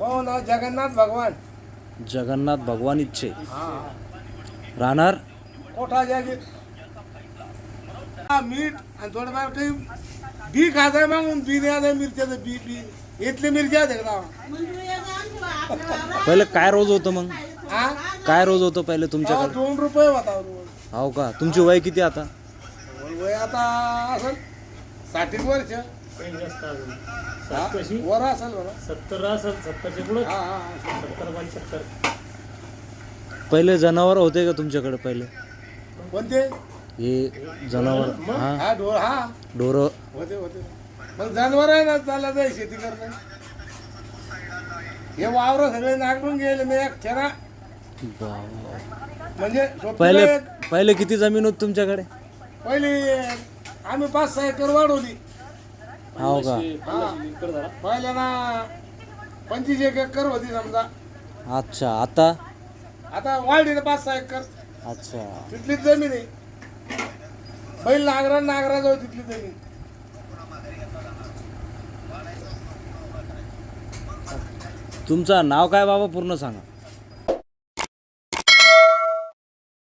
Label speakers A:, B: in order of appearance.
A: मग नाव जगन्नाथ भगवान.
B: जगन्नाथ भगवान इच्छे.
A: हा
B: राहणार
A: कोठा जागी मीठ आणि थोडंफार काही बी खायचं मग बी द्यायचं मिरच्याचं बी बी इथली मिरच्या आहेत का?
B: पहिले काय रोज होतं मग?
A: हा
B: काय रोज होतं पहिले तुमच्याकडे?
A: 2 रुपये होता रोज.
B: हो का? तुमची वय किती आता?
A: वय आता असेल 60 वर्ष वर असेल बघा.
C: 70 असेल, 70च्या पुढे.
A: हा हा
C: 70 75.
B: पहिले जनावर होते का तुमच्याकडे पहिले?
A: कोणते?
B: हे जनावर हा
A: हा ढोर हा
B: ढोरं
A: होते होते. मग जनावर आहे ना चालला जाईल शेती करणं. हे वावर सगळे नागरून गेले मी एक छरा म्हणजे
B: पहिले
A: सोबतीला
B: पहिले किती जमीन होती तुमच्याकडे?
A: पहिली आम्ही 5-6 एकर वाढवली.
B: हो का?
A: पहिल्या ना 25 एकर होती समजा.
B: अच्छा. आता
A: आता वाढली ना 5-6 एकर.
B: अच्छा.
A: तिथलीच जमीन आहे. बैल नागरा जाऊ तिथली जमीन.
B: तुमचं नाव काय बाबा पूर्ण सांगा?